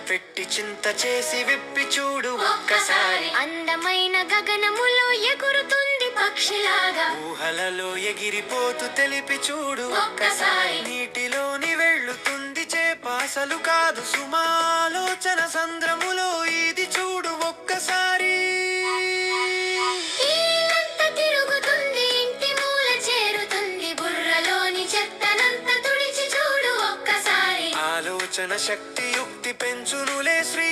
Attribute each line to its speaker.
Speaker 1: పెట్టి చింత చేసి విప్పి చూడు ఒక్కసారి.
Speaker 2: అందమైన గగనములో ఎగురుతుంది పక్షిలాగా,
Speaker 1: ఊహలలో ఎగిరిపోతూ తెలిపి చూడు
Speaker 2: ఒక్కసారి.
Speaker 1: నీటిలోని వెళ్ళుతుంది చేపాసలు కాదు సుమాలోచన సంద్రములో ఇది చూడు ఒక్కసారి.
Speaker 2: ఇల్లంతా తిరుగుతుంది, ఇంటి మూల చేరుతుంది, బుర్రలోని చెత్తనంతా తుడిచి చూడు ఒక్కసారి.
Speaker 1: ఆలోచన శక్తి యుక్తి పెంచునులే శ్రీ